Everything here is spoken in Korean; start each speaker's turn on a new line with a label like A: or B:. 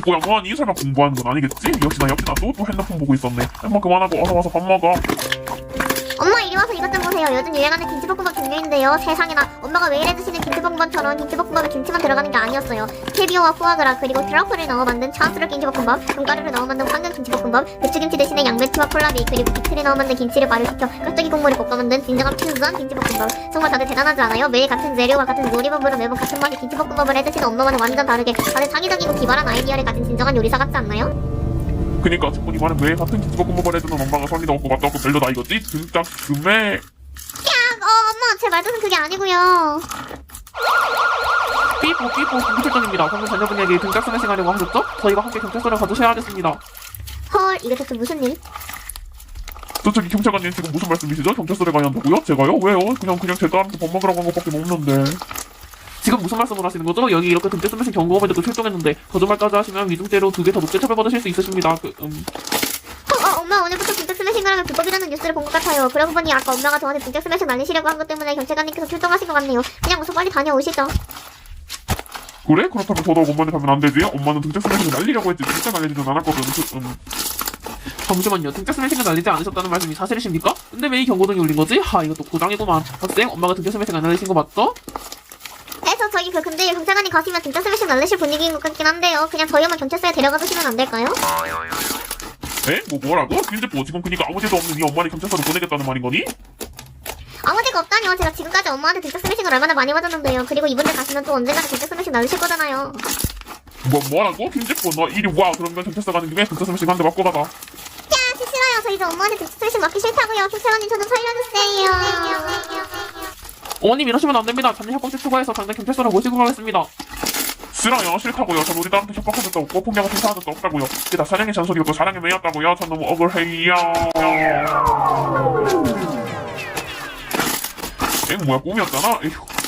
A: 뭐야 뭐하니? 설마 공부하는 건 아니겠지? 역시나 또 핸드폰 보고 있었네. 엄마 그만하고 어서 와서 밥 먹어.
B: 엄마 이리 와서 이것 좀 보세요. 요즘 유행하는 김치볶음밥 종류인데요. 세상에나 엄마가 매일 해주시는 김치볶음밥처럼 김치볶음밥에 김치만 들어가는 게 아니었어요. 캐비어와 포아그라 그리고 트러플을 넣어 만든 차스루 김치볶음밥, 견과류를 넣어 만든 황금 김치볶음밥, 배추김치 대신에 양배추와 콜라비 그리고 비트를 넣어 만든 김치를 발효시켜 깍두기 국물에 볶아 만든 진정한 퓨전 김치볶음밥. 정말 다들 대단하지 않아요? 매일 같은 재료와 같은 요리법으로 매번 같은 맛의 김치볶음밥을 해주시는 엄마와는 완전 다르게 다들 창의적이고 기발한 아이디어를 가진 진정한 요리사 같지 않나요?
A: 그니까 듣고 이만은 매일 같은 김치볶음밥을 해주는 엄마가 선리도 없고 맛도 없고 별로다 이거지? 등짝 금에
B: 엄마 제 말뜻은 그게 아니고요.
C: 삐뽀 김부실장입니다. 방금 자녀분에게 등짝 스매싱 하려고 하셨죠? 저희가 함께 경찰서를 가주셔야 하겠습니다.
B: 헐 이게 대체 무슨 일?
A: 저기 경찰관님 지금 무슨 말씀이시죠? 경찰서에 가야 한다고요? 제가요? 왜요? 그냥 제 딸한테 밥 먹으라고 한 것밖에 없는데.
C: 지금 무슨 말씀을 하시는 거죠? 여기 이렇게 등짝 스매싱 경고음을 듣고 출동했는데 거짓말까지 하시면 위증죄로 2배 더 높게 처벌받으실 수 있으십니다.
B: 엄마 오늘부터 빈짝 스매싱을 하면 불법이라는 뉴스를 본 것 같아요. 그러고 보니 아까 엄마가 저한테 빈짝 스매싱 날리시려고 한 것 때문에 경찰관님께서 출동하신 것 같네요. 그냥 우선 빨리 다녀오시죠.
A: 그래? 그렇다면 더더욱 엄마한테 가면 안 되지? 엄마는 등짝 스매싱을 날리려고 했지 진짜 날리지는 않았거든.
C: 잠시만요. 등짝 스매싱을 날리지 않으셨다는 말씀이 사실이십니까? 근데 왜 이 경고등이 울린 거지? 이것도 고장이구만. 학생, 엄마가 등짝 스매싱 안 날리신 거 맞죠?
B: 그래서 저기 근데 경찰관님 가시면 빈짝 스매싱 날리실 분위기인 것 같긴 한데요. 그냥 저희 엄마 경찰서에 데려가 주시면 안 될까요?
A: 에? 뭐라고? 김재포 지금 그니까 아무 죄도 없는 이 엄마를 경찰서로 보내겠다는 말인 거니?
B: 아무 데가 없다니요. 제가 지금까지 엄마한테 빈짝 스매싱을 얼마나 많이 맞았는데요. 그리고 이분들 가시면 또 언젠가 빈짝 스매싱 날리실 거잖아요.
A: 뭐라고? 김재포 너 이리 와. 그러면 경찰서 가는 김에 등짝 스매싱 한 대 맞고 가봐.
B: 저 싫어요. 저 이제 엄마한테 빈짝 스매싱 맞기 싫다고요. 경찰관님 저 좀 살려주세요.
C: 어머님 이러시면 안 됩니다. 자녀 협박죄 추가해서 당장 경찰서로 모시고 가겠습니다.
A: 싫어요. 싫다고요. 전 우리 딸한테 협박한 적도 없고 폭력을 행사한 적도 없다고요. 그게 다 사랑의 잔소리였고 사랑의 매였다고요. 전 너무 억울해요. 뭐야 꿈이었잖아? 에휴.